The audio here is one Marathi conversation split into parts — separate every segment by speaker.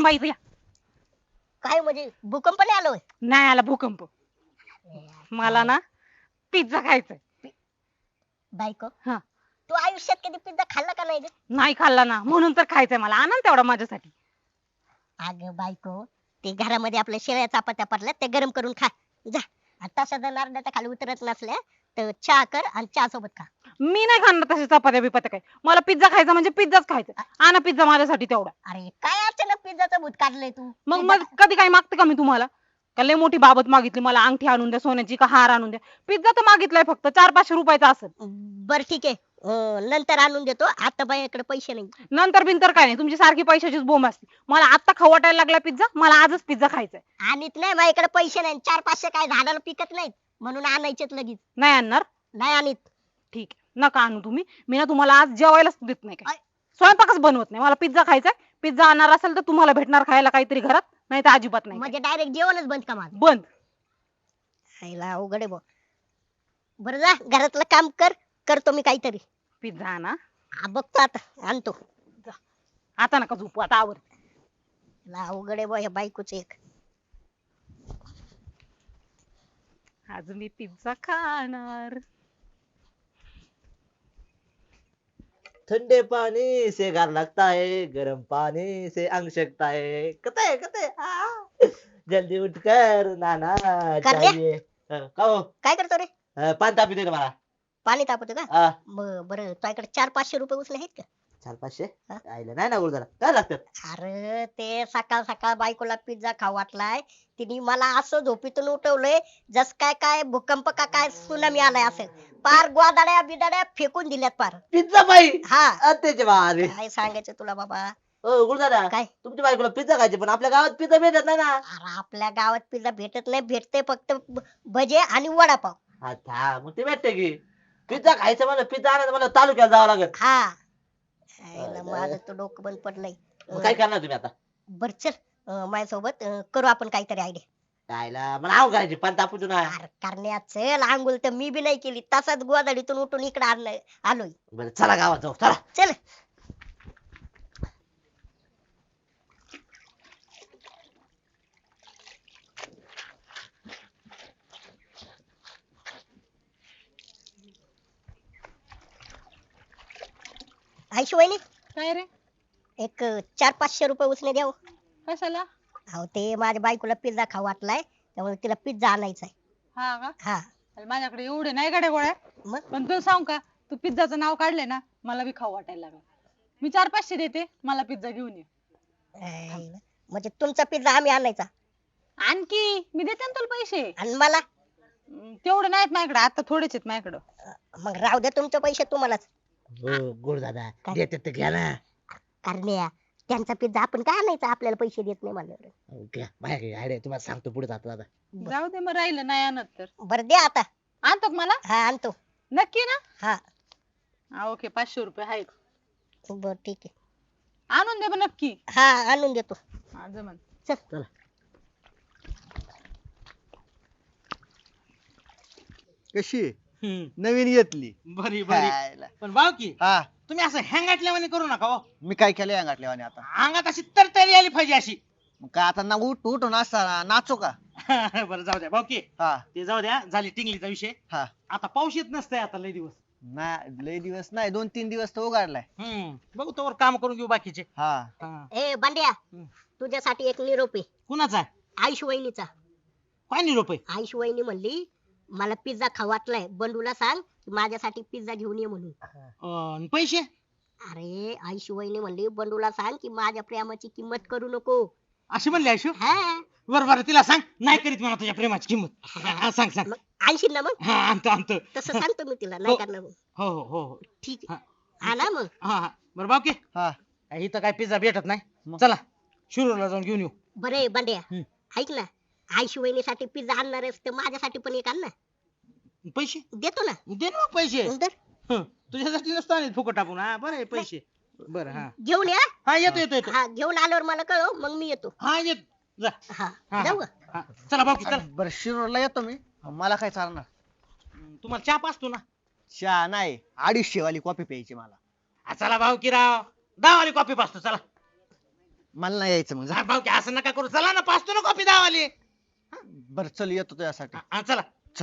Speaker 1: माहिती या.
Speaker 2: काय म्हणजे भूकंप नाही आलोय?
Speaker 1: नाही आला भूकंप. मला ना पिझ्झा खायचाय.
Speaker 2: बायको
Speaker 1: हा.
Speaker 2: तू आयुष्यात कधी पिझ्झा खाल्ला का नाही रे?
Speaker 1: नाही खाल्ला ना म्हणून तर खायचंय मला. आणा ना तेवढा माझ्यासाठी.
Speaker 2: अगं बायको ते घरामध्ये आपल्या शेळ्या चपात्या पडल्या ते गरम करून खा जा. आता सध्या नारडाच्या खाली उतरत नसल्या तर चहा कर आणि चहा सोबत खा.
Speaker 1: मी नाही खाणार तसे चपात्या बिपात्या काय. मला पिझ्झा खायचा म्हणजे पिझ्झाच खायचा. आणा पिझ्झा माझ्यासाठी तेवढा.
Speaker 2: अरे काय अचानक पिझ्झाचं भूत काढलंय तू?
Speaker 1: मग
Speaker 2: पिझ्झा
Speaker 1: मग कधी काय मागते का मी तुम्हाला? का लय मोठी बाबत मागितली मला अंगठी आणून द्या सोन्याची का हार आणून द्या. पिझ्झा तर मागितलाय फक्त 400-500 रुपयाचा असेल.
Speaker 2: बर ठीक आहे नंतर आणून देतो आता बाईकडे पैसे नाही.
Speaker 1: नंतर बिंतर काय नाही तुमची सारखी पैशाचीच बोंब असते. मला आता खाऊ वाटायला लागला पिझ्झा. मला आजच पिझ्झा खायचाय.
Speaker 2: आणत नाही माझ्याकडे पैसे नाही 400-500 काय झाडाला पिकत नाहीत म्हणून आणायचेत लगेच.
Speaker 1: नाही आणणार.
Speaker 2: नाही आणत.
Speaker 1: ठीक आहे नका आणू तुम्ही. मी ना तुम्हाला आज जेवायलाच देत नाही काय.
Speaker 2: आय.
Speaker 1: स्वयंपाकच बनवत नाही. मला पिझ्झा खायचाय. पिझ्झा आणणार असेल तर तुम्हाला भेटणार खायला काहीतरी घरात. नाही तर अजिबात नाही काय.
Speaker 2: म्हणजे डायरेक्ट जेवणच बंद का माझं?
Speaker 1: बंद.
Speaker 2: खायला अवघड आहे बुवा. बरं जा घरातलं काम कर करतो मी काहीतरी.
Speaker 1: पिझ्झा आणा.
Speaker 2: हा बघतो आता आणतो.
Speaker 1: आता नका झोपू आता आवर.
Speaker 2: ला अवघड आहे बुवा या बायकोच एक.
Speaker 1: आज मी पिझ्झा खाणार.
Speaker 3: ठंडे पानी से गार लगता है, गरम पानी से अंग सकता है. कते जल्दी उठकर नाना
Speaker 2: कर रे.
Speaker 3: चाहिए. का हो?
Speaker 2: काय करतो रे?
Speaker 3: पाणी तापी दे ना मला.
Speaker 2: पाणी तापवतो का?
Speaker 3: हा,
Speaker 2: बरं तुझ्याकडे 400-500 रुपये उचले आहेत का?
Speaker 3: 400-500
Speaker 2: हा?
Speaker 3: आईला नाही ना गुरुदारा काय लागतात.
Speaker 2: अरे ते सकाळ सकाळ बायकोला पिझ्झा खाऊ वाटलाय तिने मला असं झोपीतून उठवलंय जस काय काय भूकंप का काय सुनामी आलाय असं पार गोदाड्या बिदाड्या फेकून दिल्यात पार.
Speaker 3: पिझ्झा बाई
Speaker 2: हा
Speaker 3: अत्याचे बारे.
Speaker 2: काय सांगायचं तुला बाबा.
Speaker 3: हो गुरुदारा
Speaker 2: काय?
Speaker 3: तुमच्या बायकोला पिझ्झा खायचे पण आपल्या गावात पिझ्झा भेटत नाही ना.
Speaker 2: अरे आपल्या गावात पिझ्झा भेटत नाही भेटते फक्त भजे आणि वडापाव.
Speaker 3: अच्छा मग ते भेटते की पिझ्झा खायचं मला पिझ्झा आणायचं मला तालुक्यात जावं लागत.
Speaker 2: हा आईला माझं तो डोकं बंद पडलंय.
Speaker 3: मग काय करणार तुम्ही आता?
Speaker 2: बर चल माझ्यासोबत करू आपण काहीतरी आयडिया.
Speaker 3: खायला मला आव करायची पण तापू ना.
Speaker 2: अरे करण्या चल आंघोळ तर मी बी नाही केली तसाच गोदाडीतून उठून इकडे आणलंय आलोय.
Speaker 3: बरं चला गावात जाऊ चला.
Speaker 2: चल आयशू वहिनी
Speaker 1: काय रे?
Speaker 2: एक 400-500 रुपये उसने द्याव.
Speaker 1: कशाला?
Speaker 2: अहो ते माझ्या बायकोला पिझ्झा खाऊ वाटलाय त्यामुळे तिला पिझ्झा आणायचा आहे.
Speaker 1: हा का?
Speaker 2: हा
Speaker 1: अरे माझ्याकडे एवढे नाही गाड्या गोळ्या.
Speaker 2: मग
Speaker 1: पण तू सांग का तू पिझ्झाचं नाव काढले ना मला बी खाऊ वाटायला लागलं. मी 400-500 देते मला पिझ्झा घेऊन ये.
Speaker 2: आईला. म्हणजे तुमचा पिझ्झा आम्ही आणायचा
Speaker 1: आणखी मी देते ना तुला पैसे.
Speaker 2: आणि मला
Speaker 1: तेवढे नाहीत माझ्याकडे आता थोडेच आहेत माझ्याकडे.
Speaker 2: मग राहू द्या तुमचे पैसे तुम्हालाच.
Speaker 3: हो गुरुदादा
Speaker 2: काय?
Speaker 3: देते ते घ्या ना.
Speaker 2: करण्या त्यांचा पिझ्झा आपण काय आणायचा आपल्याला पैसे देत नाही म्हणल्यावर.
Speaker 3: हो, घ्या माझ्याकडे आयडिया तुम्हाला सांगतो पुढे जातो दादा.
Speaker 1: जाऊ दे मग राहिलं नाही आणत तर.
Speaker 2: बरं द्या आता.
Speaker 1: आणतो का मला?
Speaker 2: हा आणतो.
Speaker 1: नक्की ना?
Speaker 2: हा
Speaker 1: हा ओके 500 रुपये आहेत.
Speaker 2: बर ठीक आहे.
Speaker 1: आणून दे मग नक्की.
Speaker 2: हा आणून देतो.
Speaker 1: हा जमन.
Speaker 3: चला
Speaker 4: कशी आहे? नवीन घेतली.
Speaker 5: बरी बरी
Speaker 4: खायला.
Speaker 5: पण भाऊ की
Speaker 4: हा
Speaker 5: तुम्ही असं हँगाटल्यावाने करू नका हो.
Speaker 4: मी काय केलं अंगातल्या आता
Speaker 5: अंगात अशी तरतरी आली पाहिजे अशी.
Speaker 4: मग काय आता ना उठून असता नाचू का?
Speaker 5: बरं जाऊ द्या भाऊ की
Speaker 4: हा
Speaker 5: ते जाऊ द्या झाली टिंगलीचा विषय.
Speaker 4: हा
Speaker 5: आता पाऊस येत नसतंय आता लय दिवस.
Speaker 4: ना लय दिवस नाही 2-3 दिवस तो उघडलाय.
Speaker 5: बघू तोवर काम करून घेऊ बाकीचे.
Speaker 4: हा
Speaker 5: हा.
Speaker 2: ए बांड्या तुझ्यासाठी एक निरोप आहे.
Speaker 5: कुणाचा
Speaker 2: आयुष वहिनीचा.
Speaker 5: काय निरोप आहे?
Speaker 2: आयुष वहिनी म्हणली मला पिझ्झा खाऊ वाटलाय बंडूला सांग की माझ्यासाठी पिझ्झा घेऊन ये म्हणून.
Speaker 5: आणि पैसे?
Speaker 2: अरे आयुष वहिनी म्हणली बंडूला सांग की माझ्या प्रेमाची किंमत करू नको.
Speaker 5: अशी म्हणली आयशू?
Speaker 2: हा
Speaker 5: बरं बरं तिला सांग नाही करीत मला तुझ्या प्रेमाची किंमत. हा, सांग सांग.
Speaker 2: मग आणशील ना मग?
Speaker 5: हा आणतो आणतो.
Speaker 2: तसं सांगतो मी तिला नाही करणार मग.
Speaker 5: हो हो हो हो.
Speaker 2: ठीक
Speaker 5: हा.
Speaker 2: आहे. हा ना मग.
Speaker 5: हा हा बरं भाऊ की
Speaker 4: हा
Speaker 5: इथं काय पिझ्झा भेटत नाही.
Speaker 4: मग?
Speaker 5: चला शिरूरला जाऊन घेऊन येऊ.
Speaker 2: बरं आहे बांड्या
Speaker 5: हम्म.
Speaker 2: ऐक ना आयुष वहिनीसाठी पिझ्झा आणणार आहेस तर माझ्यासाठी पण एक आण ना.
Speaker 5: पैसे
Speaker 2: देतो ना.
Speaker 5: दे ना मग पैसे.
Speaker 2: नंतर
Speaker 5: हं, तुझ्यासाठी नसतो आणि फुकट टाकून. हा बरं आहे पैसे. बरं हा
Speaker 2: घेऊन या.
Speaker 5: हा येतो येतो येतो.
Speaker 2: हा घेऊन आल्यावर मला कळव मग मी येतो.
Speaker 5: हा येत जा.
Speaker 2: हा
Speaker 5: हा,
Speaker 2: जाऊ का?
Speaker 5: हा. चला भाऊ की चला.
Speaker 4: बरं शिरूरला येतो मी. मला काय चालणार?
Speaker 5: तुम्हाला चहा पाचतो ना.
Speaker 4: चहा नाही 250 वाली कॉफी प्यायची मला.
Speaker 5: चला भाऊ की राव 10 वाली कॉफी पाचतो चला.
Speaker 4: मला नाही यायचं मग जा.
Speaker 5: हा, भाऊ की असं नका करू चला ना पाचतो ना कॉपी दावाली
Speaker 4: बरं चल येतो तुझ्यासाठी.
Speaker 5: चला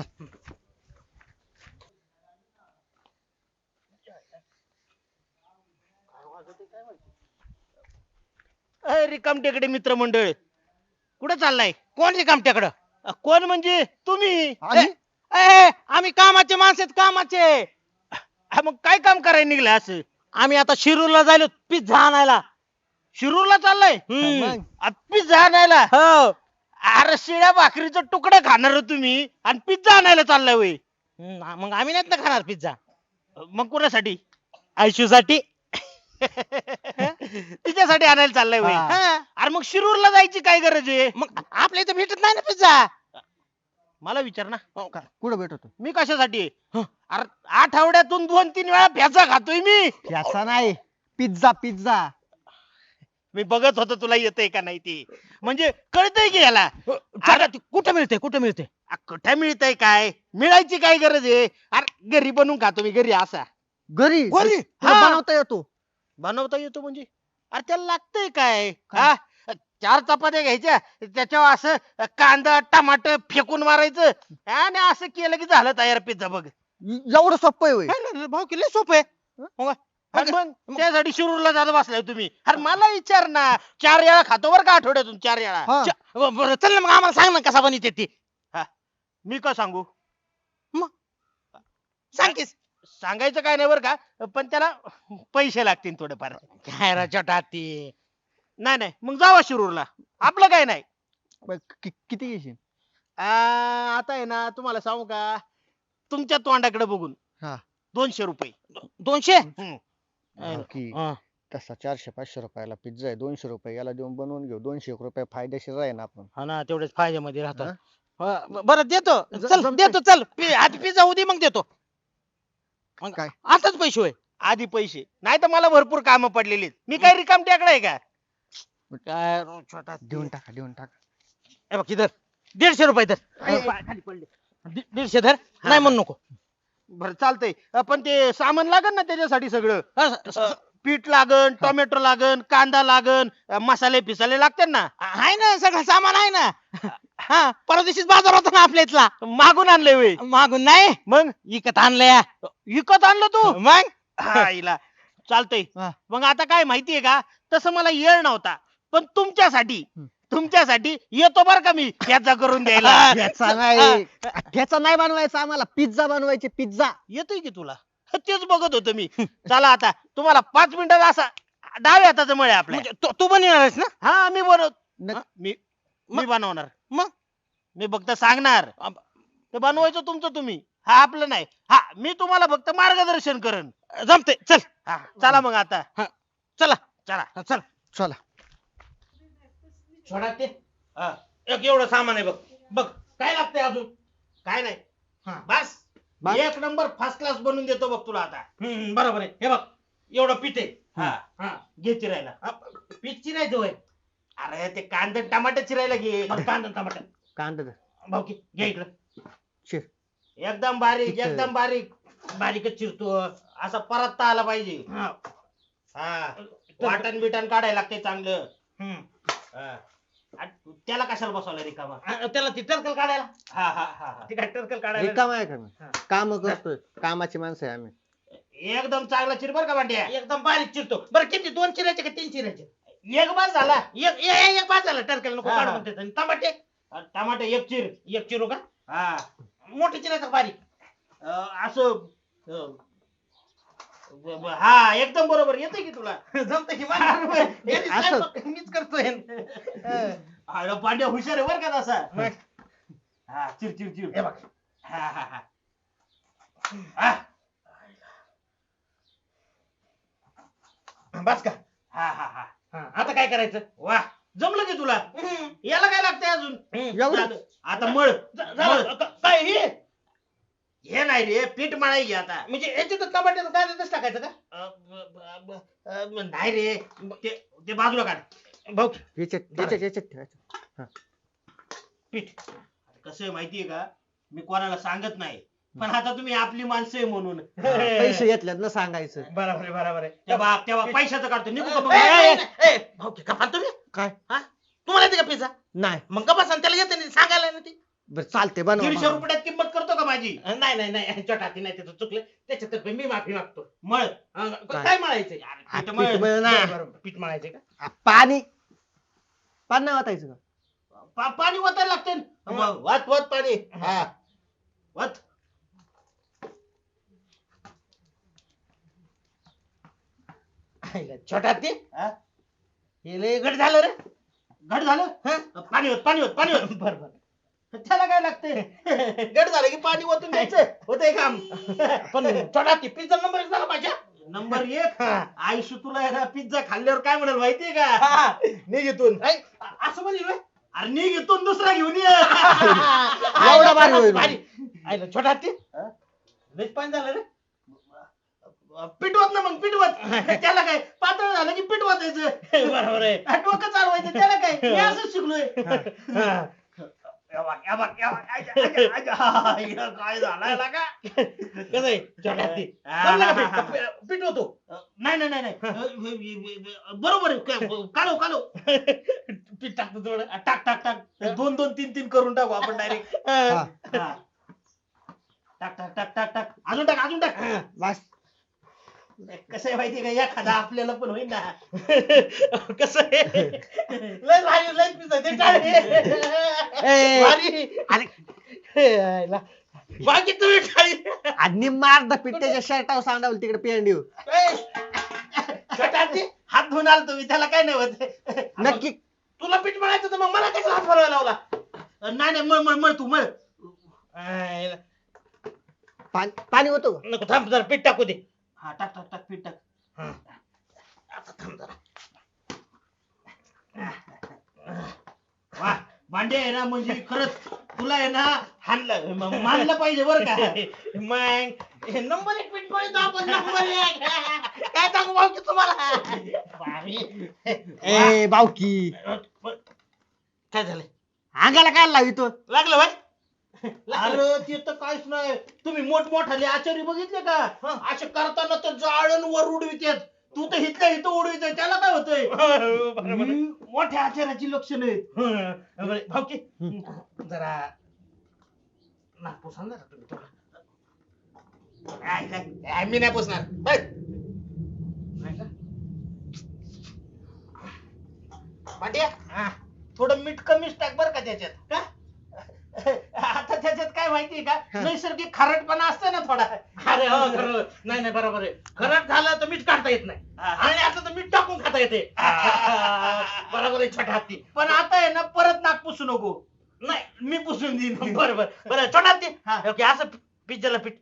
Speaker 5: रिकामटेकडे मित्रमंडळ कुठे चाललाय कोण रिकामट्याकडं कोण म्हणजे तुम्ही
Speaker 4: आम्ही?
Speaker 5: आम्ही कामाचे माणसं आहेत कामाचे मग काय काम करायला निघलं असं आम्ही आता शिरूरला जायलो पिझ्झा आणायला शिरूरला चाललाय
Speaker 4: मग?
Speaker 5: पिझ्झा आणायला हो अरे शिळ्या भाकरीचं तुकडं खाणार हो तुम्ही आणि पिझ्झा आणायला चाललाय वय मग आम्ही नाहीत ना खाणार पिझ्झा मग कुणासाठी आयशूसाठी तिच्यासाठी आणायला चाललाय वय
Speaker 4: हा.
Speaker 5: अरे मग शिरूरला जायची काय गरज आहे मग आपल्या इथं भेटत नाही ना पिझ्झा मला विचार ना
Speaker 4: कुठं भेटतो?
Speaker 5: मी कशासाठी आहे? अरे आठवड्यातून 2-3 वेळा पिझ्झा खातोय मी
Speaker 4: याचा नाही, पिझ्झा पिझ्झा.
Speaker 5: मी बघत होतो तुला येतंय का नाही ते म्हणजे कळतंय की याला अरे कुठं मिळतंय कुठं मिळतंय काय मिळायची काय गरज आहे अरे घरी बनवून खातो मी घरी असा
Speaker 4: घरी
Speaker 5: घरी?
Speaker 4: तुला
Speaker 5: हा.
Speaker 4: बनवता येतो?
Speaker 5: बनवता येतो म्हणजे अरे त्याला लागतंय काय हा 4 चपात्या घ्यायच्या त्याच्यावर असं कांदा टमाट फेकून मारायचं आणि असं केलं की झालं तयार पिझ्झा बघ
Speaker 4: एवढं सोपं आहे होय?
Speaker 5: भाऊ केलं सोपं आहे हो का? अरे मग त्यासाठी शिरूरला जात बसलाय तुम्ही अरे मला विचार ना 4 वेळा खातो बरं का आठवड्यातून 4
Speaker 4: हा.
Speaker 5: वेळा बरं चल ना मग आम्हाला सांग ना कसा बनवते ती हा मी का सांगू मग सांग की सांगायचं काय नाही बरं का पण त्याला पैसे लागतील थोडेफार काय रा छोटा ती नाही नाही मग जावा शिरूरला आपलं काय नाही
Speaker 4: बरं, किती घेशील?
Speaker 5: आता आहे ना तुम्हाला सांगू का तुमच्या तोंडाकडे बघून
Speaker 4: हा.
Speaker 5: 200 रुपये 200
Speaker 4: की तसा 400-500 रुपयाला पिझ्झा आहे, 200 रुपये याला देऊन बनवून घेऊ. 200 रुपये फायदेशीर आहे ना आपण.
Speaker 5: हा ना तेवढेच फायद्यामध्ये
Speaker 4: हा?
Speaker 5: राहतात बरं देतो चल
Speaker 4: जमतंय.
Speaker 5: देतो चल आधी पिझ्झा उदी मग देतो मग
Speaker 4: काय?
Speaker 5: आताच पैसे होय आधी पैसे नाही तर मला भरपूर कामं पडलेली आहेत. मी काय रिकाम टेकडा आहे का काय रो छोटा
Speaker 4: देऊन टाका.
Speaker 5: हे बघ इधर 150 रुपये धर खाली पडले 150 धर नाही म्हणू नको बरं चालतंय पण ते सामान लागन ना त्याच्यासाठी सगळं पीठ लागन टोमॅटो लागन कांदा लागन मसाले फिसाले लागतात ना आहे ना सगळं सामान आहे ना हा परवा दिवशीच बाजार होता ना आपल्या इथला मागून आणलंय वे मागून नाही मग विकत आणलंय विकत आणलं तू मग आईला चालतंय
Speaker 4: हा.
Speaker 5: मग आता काय माहितीये का तसं मला येळ नव्हता पण तुमच्यासाठी येतो बर का मी पिझ्झा करून द्यायला
Speaker 4: त्याचा नाही, त्याचा नाही बनवायचा आम्हाला, पिझ्झा बनवायचे पिझ्झा.
Speaker 5: येतोय की तुला तेच बघत होतो मी चला आता तुम्हाला 5 मिनिटात असा डाव्या हाताचं मळ आहे आपल्या तू बनवणारच ना हा मी बनव मी बनवणार मग मी फक्त सांगणार ते बनवायचं तुमचं तुम्ही हा आपलं नाही हा मी तुम्हाला फक्त मार्गदर्शन करेन जमते चल हा चला मग आता चला चला चल
Speaker 4: चला.
Speaker 5: सोडा ते एक एवढं सामान आहे बघ बघ काय लागतंय अजून काय नाही बस
Speaker 4: बस?
Speaker 5: एक नंबर फर्स्ट क्लास बनवून देतो बघ तुला आता बरोबर आहे हे बघ एवढं पीठ आहे घे चिरायला पीठ चिरायचं होय अरे ते कांदा टमाटर चिरायला घे कांदा टमाटर
Speaker 4: कांदा
Speaker 5: भाऊ की घे इकडं
Speaker 4: चिर.
Speaker 5: एकदम बारीक
Speaker 4: ठीक आहे.
Speaker 5: एकदम बारीकच चिरतो असा परतता आला पाहिजे हा वाटण बिटण काढायला लागते चांगलं हा. आणि त्याला कशाला बसवलं रिकामा त्याला ती टरकल काढायला हा हा हा ती काय टरकल काढायला
Speaker 4: रिकामा आहे का मी? काम करतोय, कामाची माणसं आहे आम्ही.
Speaker 5: एकदम चांगला चिर बर का भांड्या एकदम बारीक चिरतो बरं किती 2 चिरायचे का 3 चिरायचे एक बास झाला एक बास झाला टरकल नको काढू म्हणते आणि टमाटे एक चिरू का हा मोठे चिरायचं बारीक असं हा एकदम बरोबर येते की तुला जमत की मीच करतोय अरे पांड्या हुशार आहे बर का तसा हा चिर हे बघ हा हा हा बस का हा हा हा आता काय करायचं वा जमलं की तुला याला काय लागतंय अजून
Speaker 4: एवढं?
Speaker 5: झालं. आता मळ काय हे नाही रे पीठ मळाई घे आता म्हणजे याच्यात टमाट्याचं काय देतच टाकायचं का नाही रे ते बाजूला काढ भाऊ
Speaker 4: याच्यात ठेवायचं.
Speaker 5: पीठ कसं आहे माहितीये का मी कोणाला सांगत नाही पण आता तुम्ही आपली माणसं आहे म्हणून
Speaker 3: पैसे घेतल्यात ना सांगायचं.
Speaker 5: बरोबर आहे बरोबर आहे तेव्हा पैशाचं काढतो निघू का मग? भाऊ की कपाल तुम्ही
Speaker 3: काय
Speaker 5: हा तुम्हाला येते का पिझ्झा
Speaker 3: नाही
Speaker 5: मग गप्पा सांग त्याला येते नाही सांगायला ना ती
Speaker 3: बरं चालते बनवा
Speaker 5: 150 रुपयात किंमत करतो का माझी नाही नाही नाही छोटाती नाही त्याचं चुकलं त्याच्यातर्फे मी माफी मागतो मळ काय मळायचंय
Speaker 3: पीठ मळ ना.
Speaker 5: बरोबर पीठ मळायचंय का
Speaker 3: पाणी पाणी नाही वाटायचं का?
Speaker 5: पाणी ओतायला लागते वत वत पाणी हा वत छोटा ते हे लय घट झालं रे घट झालं पाणी होत पाणी होत पाणी होत बरोबर त्याला काय लागते घट झालं की पाणी ओतून द्यायचं होतंय काम पण छोटा ती पिझ्झा नंबर 1 झाला पाहिजे नंबर 1 आयुष्य तुला पिझ्झा खाल्ल्यावर काय म्हणाल माहितीये का निघ इथून असं म्हणेल अरे निघ इथून दुसरा घेऊन ये
Speaker 3: एवढा भारी होईल.
Speaker 5: भारी आईला छोटा ते लयच पाणी झालं रे पिटवत ना मग पिटवत त्याला काय पातळ झालं की पिटवतायचं बरोबर आहे डोकं चालवायचं त्याला काय मी असंच शिकलोय काय झालाय का कसं आहे छोटा ते पिटवतो नाही नाही नाही बरोबर आहे काढो काढो पीठ टाकतो थोडं टाक टाक टाक 2 2 3 3 करून टाकू आपण डायरेक्ट टाक टाक टाक टाक टाक अजून टाक
Speaker 3: बस
Speaker 5: कसं आहे माहितीये का एखादा आपल्याला पण होईल ना कसं आहे लय भारी लय पिझ्झा ते टाळे भारी बाकी तुम्ही टाळी
Speaker 3: आणि मार द पीठ त्याच्या शर्टावर सांडावलं तिकडे पेंडीव
Speaker 5: छोटाची हात धुवून आलो तुम्ही त्याला काय नाही होत
Speaker 3: नक्की
Speaker 5: तुला पीठ मळायचं तर मग मला कशाला हात भरायला लावला नाही नाही मळ मळ मळ तू मळ
Speaker 3: पाणी होतो का?
Speaker 5: नको थांब जरा पीठ टाकू दे हा टाक टाक टाक पीठ टाक आता थांब जरा वा भांडे आहे ना म्हणजे खरंच तुला आहे ना हाणलं मानलं पाहिजे बरं का मग नंबर 1 पीठ मळतो आपण नंबर 1 काय सांगू भाऊ की तुम्हाला भारी.
Speaker 3: ए बावकी
Speaker 5: काय झालं
Speaker 3: अंगाला काय लावितो
Speaker 5: लागलं भाई अरे ते तर काहीच नाही तुम्ही मोठमोठाले आचार्य बघितले का असे करताना तर जाळण वर उडवितात तू तर इथल्या इथं उडवितोय त्याला काय होतंय मोठ्या आचार्याची लक्षण आहेत भाऊकी जरा नाक पुसा ना तुम्ही थोडं काय मी नाही पुसणार बाय पाट्या थोडं मीठ कमीच टाक बर का त्याच्यात का आता त्याच्यात काय माहितीये का नैसर्गिक खारटपणा असतं ना थोडा अरे हो खरं नाही नाही बरोबर आहे खरट झालं तर मीठ काढता येत नाही आणि आता तर मीठ टाकून खाता येते बरोबर आहे छोटा हत्ती पण आता आहे ना परत नाक पुसू नको नाही मी पुसून देईन बरोबर बरं छोटा हत्ती असं पिझ्झाला पीठ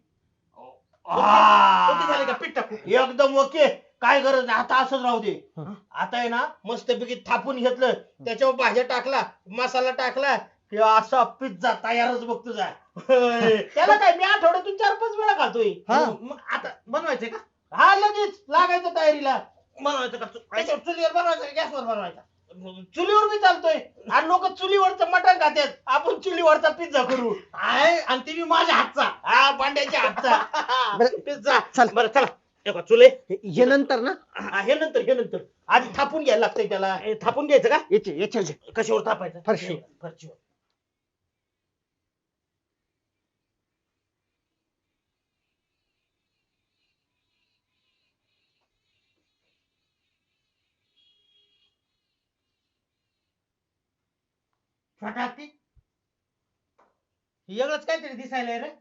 Speaker 5: ओके झाले का पीठ टाकू एकदम ओके काय गरज नाही आता असंच राहू दे आता आहे ना मस्तपैकी थापून घेतलं त्याच्यावर भाज्या टाकला मसाला टाकला कि असा पिझ्झा तयारच बघ तुझा त्याला काय मी आठवड्यातून 4-5 वेळा खातोय मग आता बनवायचंय का हा लगेच लागायचं तयारीला बनवायचं का चुलीवर बनवायचं का गॅसवर बनवायचा चुलीवर बी चालतोय आणि लोक चुलीवरचं मटण खातात आपण चुलीवरचा पिझ्झा करू आणि ते बी माझ्या हातचा हा पांड्याच्या हातचा पिझ्झा
Speaker 3: चल.
Speaker 5: बरं चला चुले
Speaker 3: हे नंतर ना
Speaker 5: हे नंतर आधी थापून घ्यायला लागतंय त्याला थापून घ्यायचं का
Speaker 3: याच्या
Speaker 5: कशावर थापायचं
Speaker 3: फरशीवर.
Speaker 5: फरशीवर छोटा हत्ती एवढंच काहीतरी दिसायलंय रे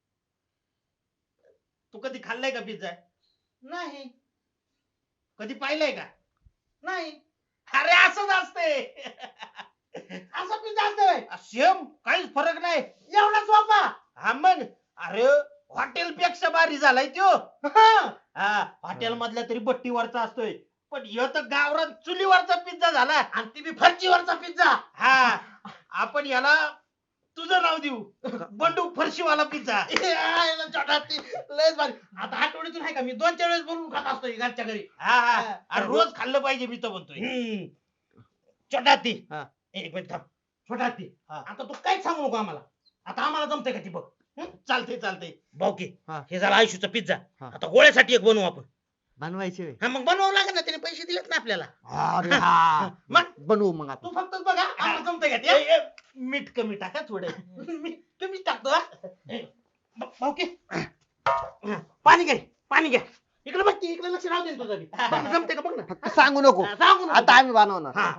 Speaker 5: तू कधी खाल्लाय का पिझ्झा नाही कधी पाहिलंय का नाही अरे असंच असते असं पिझ्झा असतोय सेम काहीच फरक नाही एवढा सोपा हा मग अरे हॉटेल पेक्षा भारी झालाय त्यो हा हॉटेल मधल्या तरी बट्टीवरचा असतोय पण ह्यो तर गावरान चुलीवरचा पिझ्झा झाला आणि ती बी फरशीवरचा पिझ्झा हा आपण याला तुझं नाव देऊ बंडू फरशीवाला पिझ्झा लयच भारी आता आठवड्यातून आहे का मी 2-4 वेळेस बनवून खात असतोय घरच्या घरी हा आणि रोज खाल्लं पाहिजे मी तर म्हणतोय छोटा हत्ती एक मिनिट थांब छोटा हत्ती आता तू काहीच सांगू नको आम्हाला आता आम्हाला जमतंय का ती बघ चालतंय चालतंय.
Speaker 3: भाऊकी
Speaker 5: हा.
Speaker 3: हे झाला आयुष्याचा पिझ्झा.
Speaker 5: हा.
Speaker 3: आता गोळ्यासाठी एक बनवू आपण.
Speaker 4: बनवायचे
Speaker 3: हा मग बनवावं लागेल ना, त्याने पैसे दिलेत ना आपल्याला.
Speaker 4: अरे हा
Speaker 5: मग
Speaker 4: बनवू मग आपण.
Speaker 5: तू फक्त बघा आम्हाला जमतंय का ते? मीठ कमी टाका थोडं. मीठ कमीच टाकतो हा. भाऊकी पाणी घ्या पाणी घ्या. इकडे बघ की, इकडे लक्ष राहू दे ना तुझं बी. बघ ना, जमतंय का बघ ना.
Speaker 4: फक्त सांगू नको.
Speaker 5: हा, सांगू नको.
Speaker 4: आता आम्ही बनवणार.
Speaker 5: हा.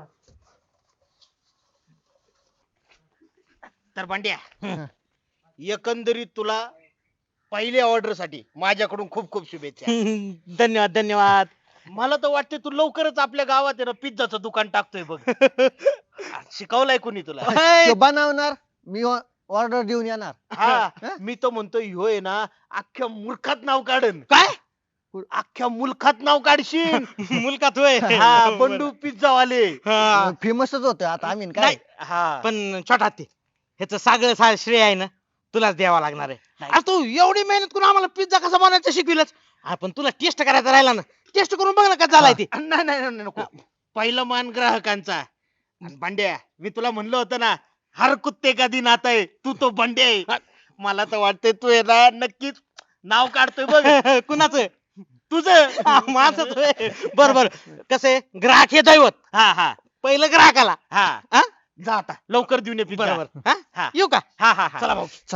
Speaker 5: तर भांड्या एकंदरीत तुला पहिल्या ऑर्डर साठी माझ्याकडून खूप खूप शुभेच्छा.
Speaker 6: धन्यवाद धन्यवाद.
Speaker 5: मला तर वाटते तू लवकरच आपल्या गावात आहे ना पिझ्झाचं दुकान टाकतोय बघ. शिकवलंय कुणी तुला?
Speaker 4: तो बनवणार मी ऑर्डर देऊन येणार.
Speaker 5: हा मी तर म्हणतोय ह्यो आहे ना अख्ख्या मुलखात नाव काढन.
Speaker 6: काय
Speaker 5: अख्ख्या मुलखात नाव काढशील.
Speaker 6: मुलकात होय?
Speaker 5: हा बंडू पिझ्झा वाले.
Speaker 6: हा.
Speaker 4: फेमसच होतो आता आम्ही काय.
Speaker 6: नाही,
Speaker 5: हा
Speaker 6: पण छोटा हत्ती ह्याचं सगळं श्रेय आहे ना तुलाच द्यावा लागणार आहे. अरे तू एवढी मेहनत करून आम्हाला पिझ्झा कसा बनवायचा शिकविलच. आपण तुला टेस्ट करायचा राहिला ना, टेस्ट करून बघ ना कसा झालाय ते.
Speaker 5: नाही नाही नाही, नको. पहिलं मान ग्राहकांचा. आणि भांड्या मी तुला म्हणलं होतं ना, हर कुत्ते का दिन आता है तू तो बंड्या आहे. मला तर वाटतंय तू आहे ना नक्कीच नाव काढतोय बघ.
Speaker 6: कुणाचं?
Speaker 5: तुझं.
Speaker 6: माझं बर बर. कसं ग्राहक हे दैवत.
Speaker 5: हा हा
Speaker 6: पहिलं ग्राहकाला.
Speaker 5: हा
Speaker 6: हा?
Speaker 5: जा आता लवकर देऊन ये पिझ्झा.
Speaker 6: बरोबर. हा?
Speaker 5: हा.
Speaker 6: येऊ का?
Speaker 5: हा हा हा.
Speaker 6: चला भाऊ.
Speaker 4: चल.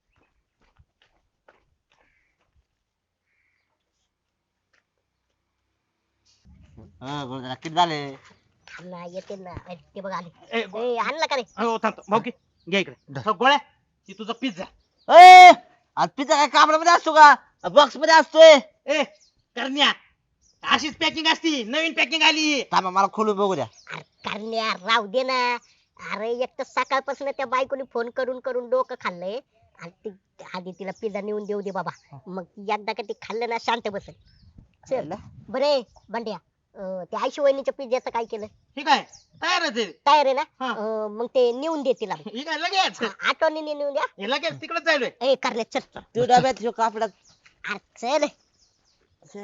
Speaker 3: किती झाले?
Speaker 2: ना येते ना ते बघ आले.
Speaker 5: ए,
Speaker 2: ए, आणला का रे?
Speaker 5: हो थांब भाऊ की घ्या इकडे. हो, गोळ्या ती तुझा पिझ्झा.
Speaker 3: ए आज पिझ्झा काय कापडामध्ये असतो का, बॉक्स मध्ये असतोय?
Speaker 6: ए करण्या अशीच पॅकिंग असती, नवीन पॅकिंग आली.
Speaker 3: थांबा मला खोलून बघू द्या.
Speaker 2: अरे करण्या राहू दे ना. अरे एक तर सकाळपासून त्या बायकोने फोन करून करून डोकं खाल्लंय. आणि ती आधी तिला पिझ्झा नेऊन देऊ दे बाबा, मग एकदा का ते खाल्लं ना शांत बसेल. चल बरे बंड्या, ते आयशी वहिनीच्या पिझ्झाचं काय केलं?
Speaker 6: ठीक आहे, तयारच आहे.
Speaker 2: तयार आहे ना?
Speaker 6: हा.
Speaker 2: मग ते नेऊन दे तिला.
Speaker 6: ठीक आहे, लगेच
Speaker 2: आठवणी नेऊन द्या.
Speaker 6: हे लगेच तिकडे जायलोय.
Speaker 2: ए करण्या चल.
Speaker 3: तू डब्यात ठेव कापडात.
Speaker 2: अरे चल.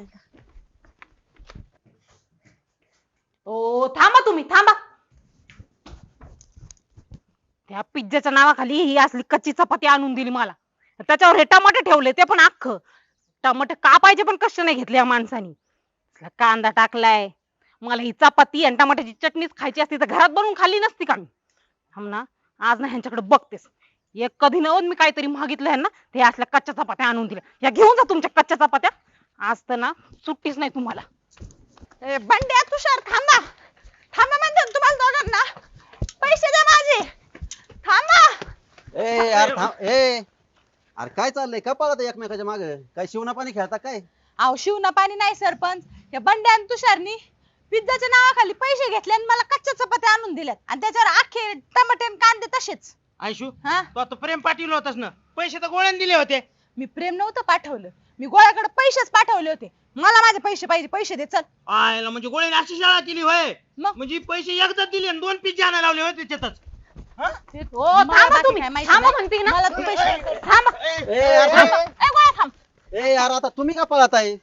Speaker 1: ओ थांबा तुम्ही थांबा. त्या पिझ्झाच्या नावाखाली ही असली कच्ची चपाती आणून दिली मला. त्याच्यावर हे टमाटे ठेवले, ते पण अख्खं. टमाटे कापायचे पण कष्ट नाही घेतले या माणसानी. कांदा टाकलाय. मला ही चपाती आणि टमाट्याची चटणीच खायची असती तर घरात बनवून खाल्ली नसती का मी. थांब ना, आज ना ह्यांच्याकडे बघतेस. एक कधी नव्हतं मी काहीतरी मागितलं ह्यांना, ते असल्या कच्च्या चपात्या आणून दिल्या. या घेऊन जा तुमच्या कच्च्या चपात्या. आज तर ना सुट्टीच नाही तुम्हाला. ए बंड्या तुषार थांबा. थांबा म्हणते तुम्हाला दोघांना. पैसे द्या माझे. थांबा.
Speaker 7: ए यार थांब ए. अरे काय चाललंय का पळत एकमेकाच्या मागे, काय शिवना पाणी खेळता काय?
Speaker 8: अहो शिवना पाणी नाही सरपंच, या बंड्या आणि तुषारनी पिझ्झाच्या नावाखाली पैसे घेतले आणि मला कच्च्या चपात्या आणून दिल्यात आणि त्याच्यावर अख्खे टमाटे आणि कांदे तसेच.
Speaker 6: आयशू
Speaker 8: हा,
Speaker 6: तू आता प्रेम पाठवलं होतास ना, पैसे तर गोळ्याने दिले होते.
Speaker 8: मी प्रेम नव्हतं पाठवलं, मी गोळ्याकडे पैसेच पाठवले होते. मला माझे पैसे पाहिजे, पैसे दे चल.
Speaker 6: आयला म्हणजे गोळ्याने अशी शाळा केली होय.
Speaker 8: मग?
Speaker 6: म्हणजे पैसे एकदा दिले आणि 2 पिझ्झा आणायला लावले होते त्याच्यातच.
Speaker 1: ओ थांबा तुम्ही. थांबा म्हणते ना.
Speaker 8: मला तू पैसे
Speaker 1: थांबा.
Speaker 7: ए यार थांब.
Speaker 1: ए गोळ्या थांब.
Speaker 7: ए यार आता तुम्ही का पळत आहे?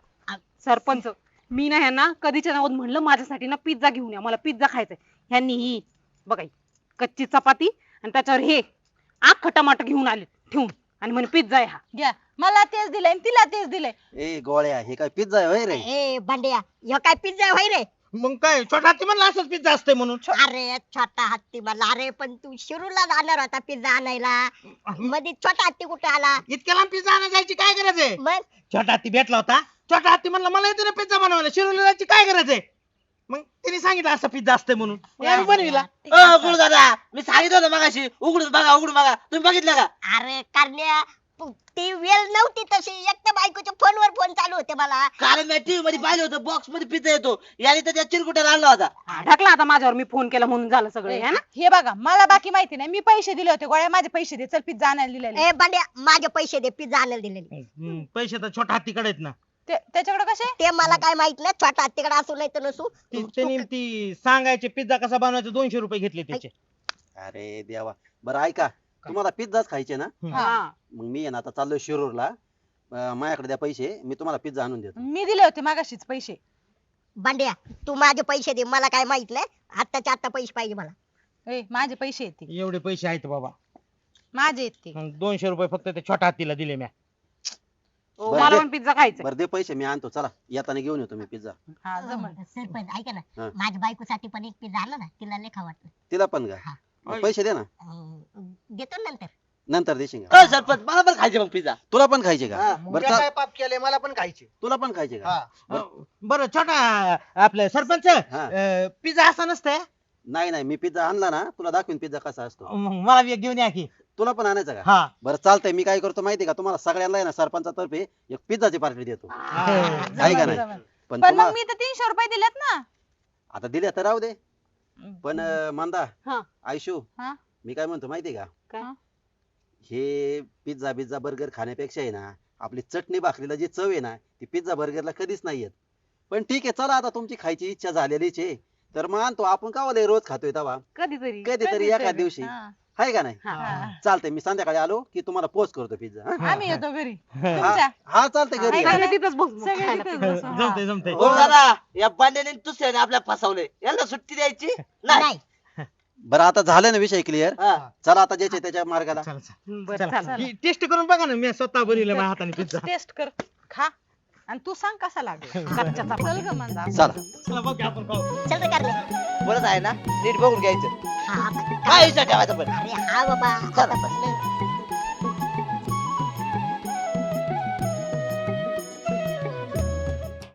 Speaker 1: सरपंच मी ना ह्यांना कधीच्या नावात म्हणलं माझ्यासाठी ना पिझ्झा घेऊन या, मला पिझ्झा खायचाय. ह्यांनी ही बघा ही कच्ची चपाती आणि त्याच्यावर हे अख्खं टमाटर घेऊन आले ठेवून आणि म्हणे पिझ्झा आहे हा.
Speaker 8: घ्या, मला तेच दिलंय आणि तिला तेच दिलंय.
Speaker 7: ए गोळ्या हे काय पिझ्झा आहे होय रे?
Speaker 2: ए बंड्या, ह्यो काय पिझ्झा होय रे?
Speaker 6: मग काय छोटा हाती म्हणला असंच पिझ्झा असतंय म्हणून.
Speaker 2: अरे छोटा हत्ती मला. अरे पण तू शिरूरला जाणार होता पिझ्झा आणायला, मध्ये छोटा हत्ती कुठे आला?
Speaker 6: इतक्या लांब पिझ्झा आणायला जायची काय गरज आहे?
Speaker 2: मग
Speaker 6: छोटा हाती भेटला होता, छोटा हाती म्हणला मला येते ना पिझ्झा बनवायला, शिरोलीला जायची काय गरज आहे? मग तिने सांगितलं असं पिझ्झा असतंय म्हणून, मग आम्ही बनविला.
Speaker 3: गुरु दादा मी सांगितलं होतं मगाशी उघडून बघा उघडून बघा, तुम्ही बघितलं का?
Speaker 2: अरे करण्या, ती वेळ नव्हती तशी. एक तर बायकोच्या फोनवर फोन चालू होते मला.
Speaker 3: कारण मी टीव्ही मध्ये पाहिलं होतं बॉक्स मध्ये पिझ्झा येतो, याने तर त्या चिरकुट्याला आणला होता.
Speaker 1: ढकला आता माझ्यावर, मी फोन केला म्हणून झालं सगळं है ना.
Speaker 8: हे बघा, मला बाकी माहिती नाही. मी पैसे दिले होते, गोळ्या माझे पैसे दे चल, पिझ्झा आणायला दिलेले.
Speaker 2: ए बंड्या, माझे पैसे दे, पिझ्झा आणायला दिलेले.
Speaker 6: पैसे तर छोटा हत्तीकडे आहेत ना.
Speaker 8: त्याच्याकडे कसे?
Speaker 2: ते मला काय माहित नाही, छोटा हत्तीकडे असू नाही तर नसू.
Speaker 6: त्यांनी ती सांगायचे पिझ्झा कसा बनवायचा 200 रुपये घेतले त्याचे.
Speaker 7: अरे देवा. बरं ऐका, तुम्हाला पिझ्झाच खायचे ना?
Speaker 1: हा.
Speaker 7: मग मी आहे ना आता चाललोय शिरूरला. माझ्याकडे द्या पैसे, मी तुम्हाला पिझ्झा आणून देतो.
Speaker 8: मी दिले होते मागाशीच पैसे.
Speaker 2: बंड्या, तू माझे पैसे दे, मला काय माहित नाही. आत्ताच्या आत्ता पैसे पाहिजे मला.
Speaker 8: ए माझे पैसे येते.
Speaker 6: एवढे पैसे आहेत बाबा.
Speaker 8: माझे आहेत ते.
Speaker 6: मग 200 रुपये फक्त ते छोट्या हत्तीला दिले म्या.
Speaker 1: हो,
Speaker 7: बरं,
Speaker 1: मला
Speaker 7: दे.
Speaker 1: पण पिझ्झा खायचा
Speaker 7: बरं दे पैसे मी आणतो चला येताना घेऊन येतो मी पिझ्झा
Speaker 8: हा जमल.
Speaker 2: सरपंच ऐका ना
Speaker 7: हा.
Speaker 2: माझ्या बायकोसाठी पण एक पिझ्झा आणला ना तिला लय खाऊ वाटतं.
Speaker 7: तिला पण का
Speaker 2: हा.
Speaker 7: मग पैसे दे ना
Speaker 2: देतो ना नंतर.
Speaker 7: नंतर देशील का
Speaker 3: सरपंच मला पण खायचे मग पिझ्झा.
Speaker 7: तुला पण खायचे का
Speaker 3: हा.
Speaker 7: बरं
Speaker 5: उद्या काय पाप केले मला पण खायचे.
Speaker 7: तुला पण खायचे का
Speaker 6: बरं छोटा आपलं सरपंच
Speaker 7: हा.
Speaker 6: पिझ्झा असा नसतंय.
Speaker 7: नाही नाही मी पिझ्झा आणला ना तुला दाखवीन पिझ्झा कसा असतो
Speaker 6: मग मला बी एक घेऊन या की.
Speaker 7: तुला पण आणायचा का
Speaker 6: हा
Speaker 7: बरं चालतंय मी काय करतो माहितीये का तुम्हाला सगळ्यांना आहे ना सरपंचातर्फे एक पिझ्झाची पार्टी देतो आहे का
Speaker 8: जमल,
Speaker 7: नाही
Speaker 8: जमल.
Speaker 7: पण
Speaker 8: पण मग
Speaker 7: तुम्हाला
Speaker 8: मी तर 300 रुपये दिलेत ना.
Speaker 7: आता दिले तर राहू दे पण मंदा
Speaker 1: हा.
Speaker 7: आयशू
Speaker 8: हा?
Speaker 7: मी काय म्हणतो माहितीये का
Speaker 1: काय?
Speaker 7: हे पिझ्झा बिझ्झा बर्गर खाण्यापेक्षा आहे ना आपली चटणी भाकरीला जी चव आहे ना ती पिझ्झा बर्गरला कधीच नाही येत पण ठीक आहे चला आता तुमची खायची इच्छा झालेलीच आहे तर मानतो आपण का रोज खातोय तवा
Speaker 1: कधीतरी
Speaker 7: कधीतरी एका दिवशी
Speaker 8: हा.
Speaker 7: आहे का नाही
Speaker 8: हा.
Speaker 7: चालतंय मी संध्याकाळी आलो की तुम्हाला पोस्ट करतो पिझ्झा हा?
Speaker 8: आम्ही येतो घरी तुमच्या.
Speaker 7: हा चालतंय घरी
Speaker 8: ऐका
Speaker 7: या.
Speaker 8: ना.
Speaker 1: सगळे तिथंच बसू
Speaker 8: सगळे
Speaker 1: खायला
Speaker 8: तिथेच
Speaker 1: पिझ्झा.
Speaker 8: बसू. हा.
Speaker 6: जमतंय जमतंय.
Speaker 3: हो दादा या बांड्याने दुसऱ्याने आपल्याला फसवले यांना सुट्टी द्यायची नाही.
Speaker 2: नाही
Speaker 7: बरं आता झालं ना विषय क्लिअर
Speaker 3: हा.
Speaker 7: चला आता ज्याच्या त्याच्या मार्गाला
Speaker 6: चला, चला.
Speaker 1: बरं
Speaker 6: चला.
Speaker 1: चला.
Speaker 6: ही टेस्ट करून बघा ना मी स्वतः बनवलं माझ्या हाताने पिझ्झा.
Speaker 8: टेस्ट कर खा आणि तू सांग कसा लागला.
Speaker 1: कच्च्या चपात्या.
Speaker 8: चल ग मंदा.
Speaker 7: चला
Speaker 6: चला बघू आपण खाऊ.
Speaker 2: चल रे कारले.
Speaker 3: बरंच आहे ना नीट बघून घ्यायचं
Speaker 2: हा
Speaker 3: काय विचार ठेवायचा पण
Speaker 2: अरे हा बाबा आतापासून